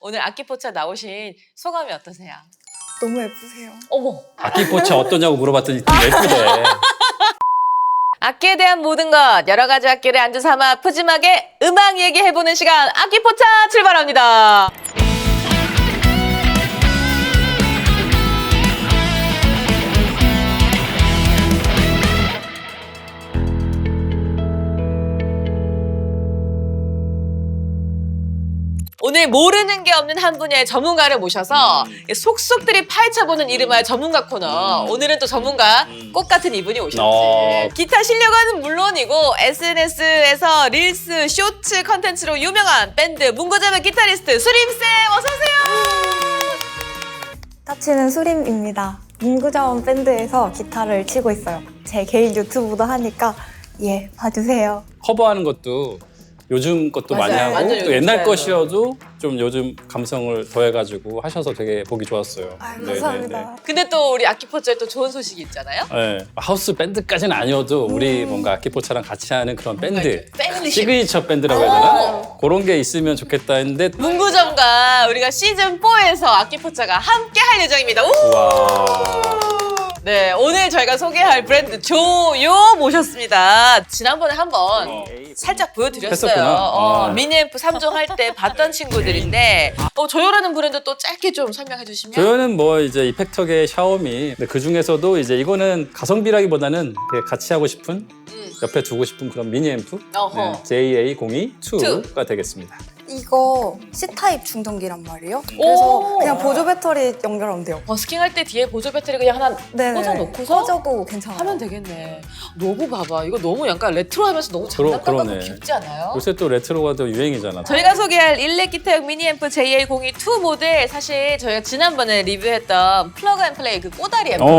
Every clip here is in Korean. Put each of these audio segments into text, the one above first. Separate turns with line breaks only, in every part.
오늘 악기포차 나오신 소감이 어떠세요?
너무 예쁘세요.
어머!
악기포차 어떠냐고 물어봤더니 예쁘대.
악기에 대한 모든 것, 여러 가지 악기를 안주 삼아 푸짐하게 음악 얘기해보는 시간, 악기포차 출발합니다. 오늘 모르는 게 없는 한 분야의 전문가를 모셔서 속속들이 파헤쳐보는 이름하여 전문가 코너. 오늘은 또 전문가 꽃 같은 이분이 오셨지. 기타 실력은 물론이고 SNS에서 릴스, 쇼츠 컨텐츠로 유명한 밴드 문고자매 기타리스트 수림쌤 어서오세요.
타치는 수림입니다. 문구자원 밴드에서 기타를 치고 있어요. 제 개인 유튜브도 하니까 봐주세요.
커버하는 것도 요즘 것도
맞아요.
많이 하고
완전
또
요즘
옛날
스타일로.
것이어도 좀 요즘 감성을 더해가지고 하셔서 되게 보기 좋았어요.
감사합니다.
근데 또 우리 악기포차에 또 좋은 소식이 있잖아요.
네. 하우스 밴드까지는 아니어도 우리 뭔가 악기포차랑 같이 하는 그런 밴드,
밴드십.
시그니처 밴드라고 해야 되나? 그런 게 있으면 좋겠다 했는데
문구점과 우리가 시즌4에서 악기포차가 함께 할 예정입니다. 우!
와.
네, 오늘 저희가 소개할 브랜드 조요 모셨습니다. 지난번에 한번 살짝 보여드렸어요.
했었구나.
미니앰프 3종 할 때 봤던 친구들인데 조요라는 브랜드 또 짧게 좀 설명해 주시면.
조연은 뭐 이제 이펙터계 샤오미. 근데 그 중에서도 이제 이거는 가성비라기보다는 되게 같이 하고 싶은 옆에 두고 싶은 그런 미니 앰프
어허.
JA02-2가 되겠습니다.
이거 C타입 충전기란 말이에요. 그래서 그냥 보조 배터리 연결하면 돼요.
버스킹 할 때 뒤에 보조 배터리 그냥 하나
네네.
꽂아놓고서
꽂아도 괜찮아요.
하면 되겠네. 로고 봐봐. 이거 너무 약간 레트로하면서 너무 장난감 같고
그러네.
귀엽지 않아요?
요새 또 레트로가 또 유행이잖아.
저희가 소개할 일렉 기타용 미니앰프 JA02-2 모델 사실 저희가 지난번에 리뷰했던 플러그 앤 플레이 그 꼬다리 앰프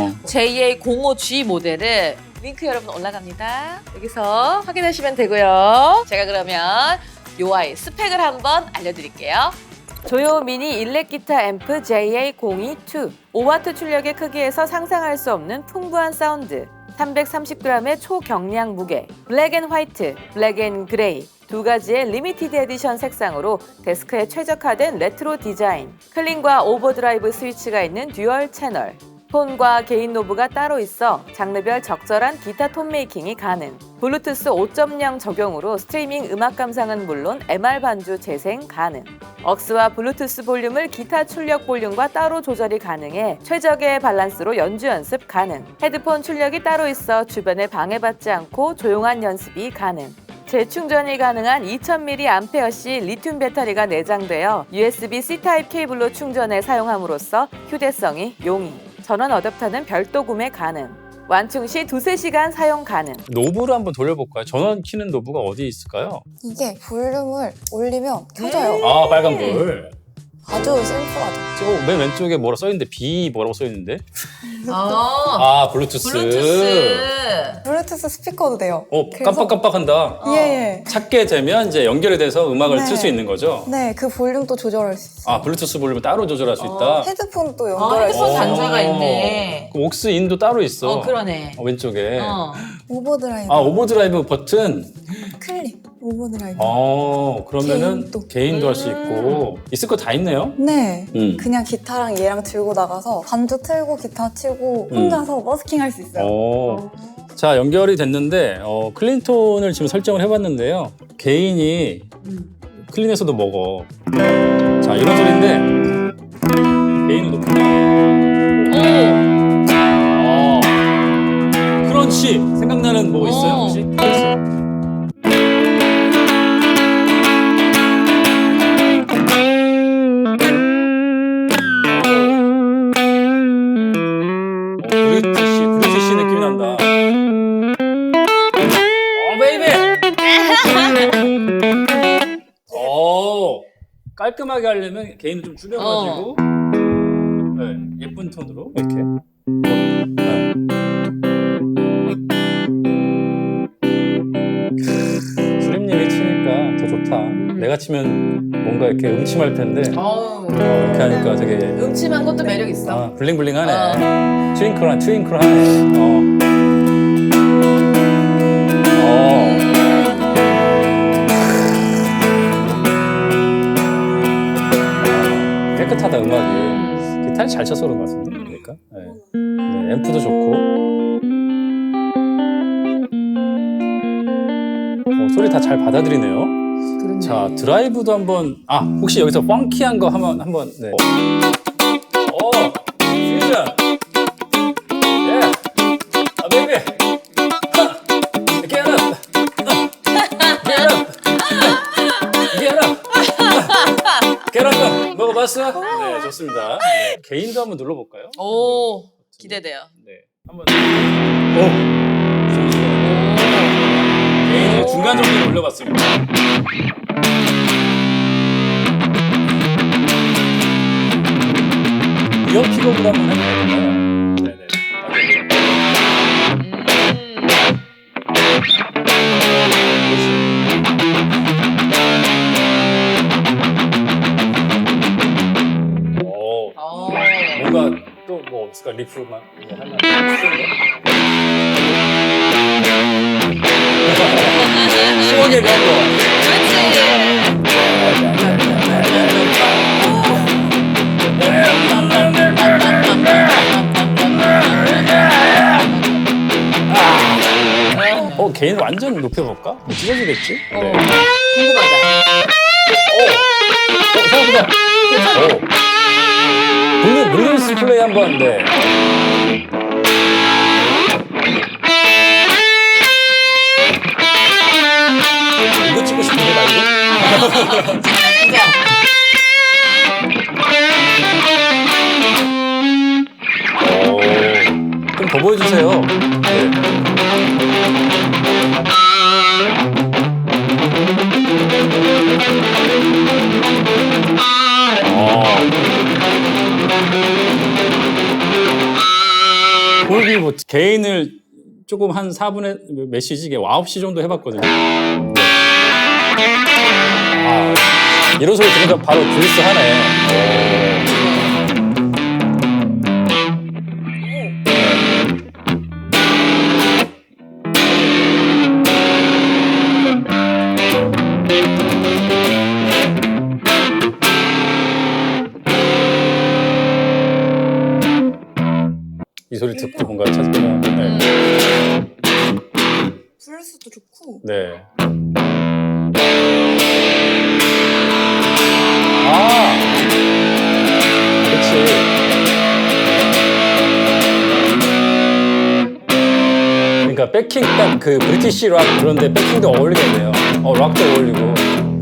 JA05G 모델을 링크 여러분 올라갑니다. 여기서 확인하시면 되고요. 제가 그러면 요 아이 스펙을 한번 알려드릴게요. 조요 미니 일렉 기타 앰프 JA02-2 5W 출력의 크기에서 상상할 수 없는 풍부한 사운드 330g의 초경량 무게 블랙 앤 화이트, 블랙 앤 그레이 두 가지의 리미티드 에디션 색상으로 데스크에 최적화된 레트로 디자인 클린과 오버드라이브 스위치가 있는 듀얼 채널 톤과 개인 노브가 따로 있어 장르별 적절한 기타 톤 메이킹이 가능 블루투스 5.0 적용으로 스트리밍 음악 감상은 물론 MR 반주 재생 가능 억스와 블루투스 볼륨을 기타 출력 볼륨과 따로 조절이 가능해 최적의 밸런스로 연주 연습 가능 헤드폰 출력이 따로 있어 주변에 방해받지 않고 조용한 연습이 가능 재충전이 가능한 2000mAh 리튬 배터리가 내장되어 USB-C 타입 케이블로 충전해 사용함으로써 휴대성이 용이 전원 어댑터는 별도 구매 가능 완충 시 2~3시간 사용 가능
노브를 한번 돌려볼까요? 전원 키는 노브가 어디 있을까요?
이게 볼륨을 올리면 켜져요.
아, 빨간 불.
아주 심플하죠.
맨 왼쪽에 뭐라 써있는데 B 뭐라고 써있는데? 블루투스.
블루투스 스피커도 돼요. 그래서-
깜빡깜빡한다.
예.
찾게 되면 이제 연결이 돼서 음악을
네.
틀 수 있는 거죠?
네, 그 볼륨도 조절할 수 있어요.
블루투스 볼륨을 따로 조절할 수 있다?
헤드폰도 연결할 수
헤드폰
있어요.
단자가 있네.
그 옥스 인도 따로 있어.
그러네.
왼쪽에.
오버드라이브,
오버드라이브 버튼.
클릭, 오버드라이브.
그러면은
개인도.
개인도 할 수 있고. 있을 거 다 있네요?
네,
음.
그냥 기타랑 얘랑 들고 나가서 반주 틀고 기타 치고 혼자서 버스킹 할 수 있어요.
자, 연결이 됐는데 클린톤을 지금 설정을 해봤는데요. 개인이 클린에서도 먹어. 자, 이런 소리인데 개인은 높구나. 크런치 생각나는 뭐 있어요 혹시? 브리티시 느낌이 난다. 베이비. 깔끔하게 하려면 개인을 좀 줄여가지고 예쁜 톤으로 이렇게. 수림님이 치니까 더 좋다. 내가 치면 뭔가 이렇게 음침할 텐데 이렇게 하니까 되게
음침한 것도 매력 있어.
블링블링하네. 트윙클하네. 음악이. 기타를 잘 쳐서 그런 것 같은데, 그러니까. 네, 앰프도 좋고. 소리 다 잘 받아들이네요.
그렇네.
자, 드라이브도 한번. 혹시 여기서 펑키한 거 한번. 네. 퓨전. 예. 베이비. Get up. Get up. Get up. Get up. 먹어봤어? 네, 좋습니다. 네, 개인도 한번 눌러볼까요?
오, 기대돼요.
네, 한번. 개인을 중간 정도로 올려봤습니다. 이어 픽업으로 한번 해볼까요? 네네. 뭔가 또 뭐 없을까? 리프만 하나 시원하게 가고. 개인 완전 높여볼까? 찢어지겠지? 네.
궁금하다.
생각보다. 블루스 플레이 한번. 네. 이거 찍고 싶은데 나 이거? 좀 더 보여주세요. 네. 볼비 뭐 개인을 조금 한 4분의 몇 시지? 이게 9시 정도 해봤거든요. 이런 소리 들으니까 바로 그리스 하네. 이 소리 듣고 뭔가 찾으면. 네.
블루스도 좋고.
네. 그렇지. 그러니까 백킹 딱 그 브리티시 락 그런데 백킹도 어울리겠네요. 락도 어울리고.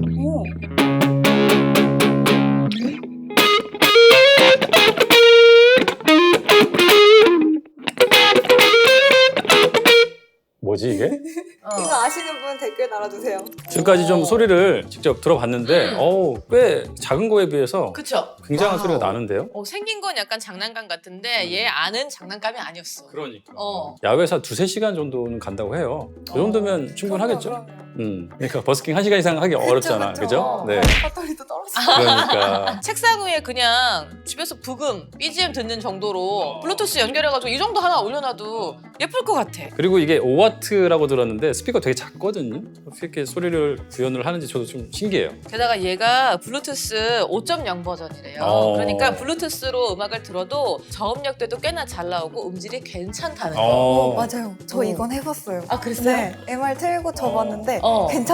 뭐지 이게?
이거 아시는 분 댓글 달아주세요.
지금까지 좀 소리를 직접 들어봤는데 꽤 작은 거에 비해서
그쵸?
굉장한 소리가 나는데요?
생긴 건 약간 장난감 같은데 얘 안은 장난감이 아니었어.
그러니까.
어.
야외에서 2-3시간 정도는 간다고 해요. 이 정도면 충분하겠죠? 그러니까 버스킹 1시간 이상 하기 어렵잖아. 그죠? 네.
배터리도 떨어져.
그러니까.
책상 위에 그냥 집에서 부금, BGM 듣는 정도로 블루투스 연결해가지고 이 정도 하나 올려놔도 예쁠 것 같아.
그리고 이게 5W라고 들었는데 스피커 되게 작거든요. 어떻게 이렇게 소리를 구현을 하는지 저도 좀 신기해요.
게다가 얘가 블루투스 5.0 버전이래요. 그러니까 블루투스로 음악을 들어도 저음역대도 꽤나 잘 나오고 음질이 괜찮다는 거.
맞아요. 저 이건 해봤어요.
아, 그랬어요?
네. MR 틀고 쳐봤는데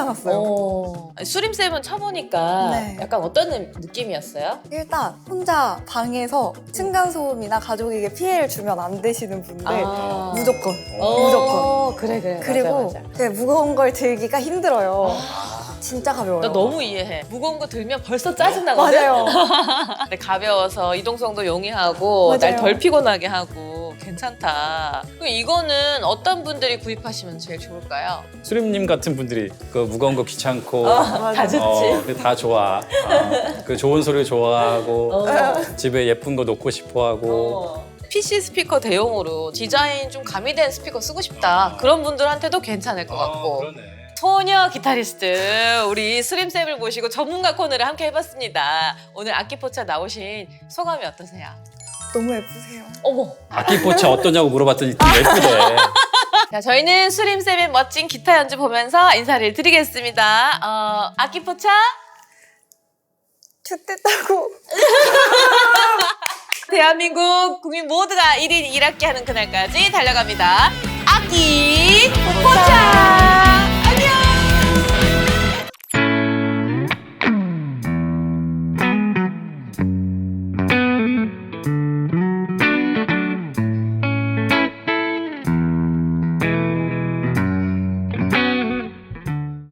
괜찮았어요.
수림쌤은 쳐보니까
네.
약간 어떤 느낌이었어요?
일단 혼자 방에서 층간소음이나 가족에게 피해를 주면 안 되시는 분들 무조건. 무조건.
그래.
그리고
맞아.
그 무거운 걸 들기가 힘들어요. 진짜 가벼워요.
나 너무 이해해. 무거운 거 들면 벌써 짜증나거든?
맞아요.
근데 가벼워서 이동성도 용이하고
맞아요.
날 덜 피곤하게 하고 괜찮다. 그럼 이거는 어떤 분들이 구입하시면 제일 좋을까요?
수림님 같은 분들이 그 무거운 거 귀찮고
다 좋지.
다 좋아. 그 좋은 소리 좋아하고 집에 예쁜 거 놓고 싶어하고
PC 스피커 대용으로 디자인 좀 가미된 스피커 쓰고 싶다. 그런 분들한테도 괜찮을 것 같고.
그러네.
소녀 기타리스트 우리 수림쌤을 모시고 전문가 코너를 함께 해봤습니다. 오늘 악기포차 나오신 소감이 어떠세요?
너무 예쁘세요.
어머.
악기 포차 어떠냐고 물어봤더니 예쁘대.
자, 저희는 수림쌤의 멋진 기타 연주 보면서 인사를 드리겠습니다. 악기포차
춥댔다고.
대한민국 국민 모두가 1인 1악기 하는 그날까지 달려갑니다. 악기 포차!